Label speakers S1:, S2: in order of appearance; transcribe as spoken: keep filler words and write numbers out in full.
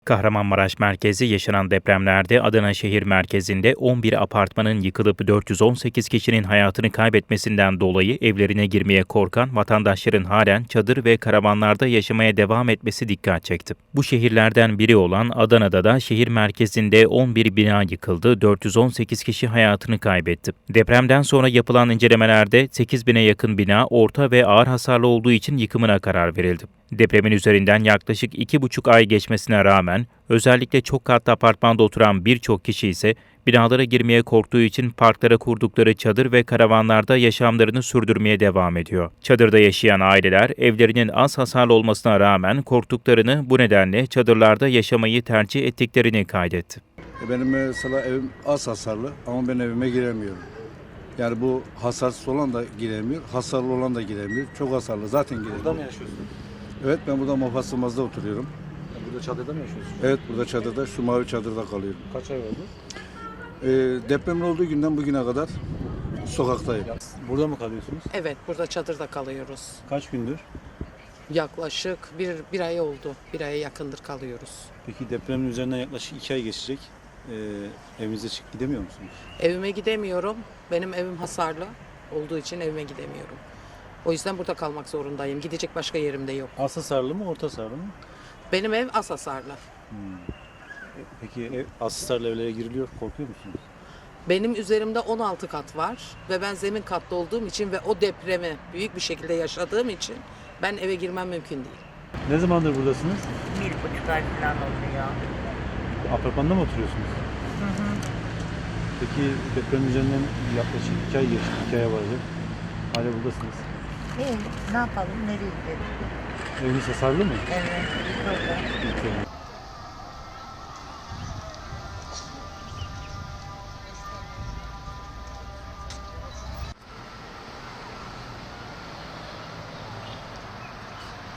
S1: Kahramanmaraş merkezi yaşanan depremlerde Adana şehir merkezinde on bir apartmanın yıkılıp dört yüz on sekiz kişinin hayatını kaybetmesinden dolayı evlerine girmeye korkan vatandaşların halen çadır ve karavanlarda yaşamaya devam etmesi dikkat çekti. Bu şehirlerden biri olan Adana'da da şehir merkezinde on bir bina yıkıldı, dört yüz on sekiz kişi hayatını kaybetti. Depremden sonra yapılan incelemelerde sekiz bine yakın bina orta ve ağır hasarlı olduğu için yıkımına karar verildi. Depremin üzerinden yaklaşık iki buçuk ay geçmesine rağmen özellikle çok katlı apartmanda oturan birçok kişi ise binalara girmeye korktuğu için parklara kurdukları çadır ve karavanlarda yaşamlarını sürdürmeye devam ediyor. Çadırda yaşayan aileler evlerinin az hasarlı olmasına rağmen korktuklarını, bu nedenle çadırlarda yaşamayı tercih ettiklerini kaydetti.
S2: Benim mesela evim az hasarlı ama ben evime giremiyorum. Yani bu hasarsız olan da giremiyor, hasarlı olan da giremiyor. Çok hasarlı zaten giremiyor.
S3: Burada mı yaşıyorsun?
S2: Evet, ben burada Mofasılmaz'da oturuyorum.
S3: Ya burada çadırda mı yaşıyorsun?
S2: Evet, burada çadırda, şu mavi çadırda kalıyorum.
S3: Kaç ay oldu?
S2: Ee, depremin olduğu günden bugüne kadar sokaktayım.
S3: Burada mı kalıyorsunuz?
S4: Evet, burada çadırda kalıyoruz.
S3: Kaç gündür?
S4: Yaklaşık bir, bir ay oldu. Bir aya yakındır kalıyoruz.
S3: Peki depremin üzerinden yaklaşık iki ay geçecek. Ee, evinize çıkıp gidemiyor musunuz?
S4: Evime gidemiyorum. Benim evim hasarlı olduğu için evime gidemiyorum. O yüzden burada kalmak zorundayım. Gidecek başka yerim de yok.
S3: Az hasarlı mı, orta hasarlı mı?
S4: Benim ev az hasarlı.
S3: Peki ev, az hasarlı evlere giriliyor, korkuyor musunuz?
S4: Benim üzerimde on altı kat var ve ben zemin katlı olduğum için ve o depremi büyük bir şekilde yaşadığım için ben eve girmem mümkün değil.
S3: Ne zamandır buradasınız?
S5: Bir buçuk ay falan oluyor.
S3: Apartmanda mı oturuyorsunuz?
S5: Hı hı.
S3: Peki depremin üzerinden yaklaşık iki ay geçti, iki aya varacak. Hala buradasınız.
S5: İyi, ne yapalım, nereye gidelim?
S3: Eviniz hasarlı mı?
S5: Evet, burada.
S3: Peki.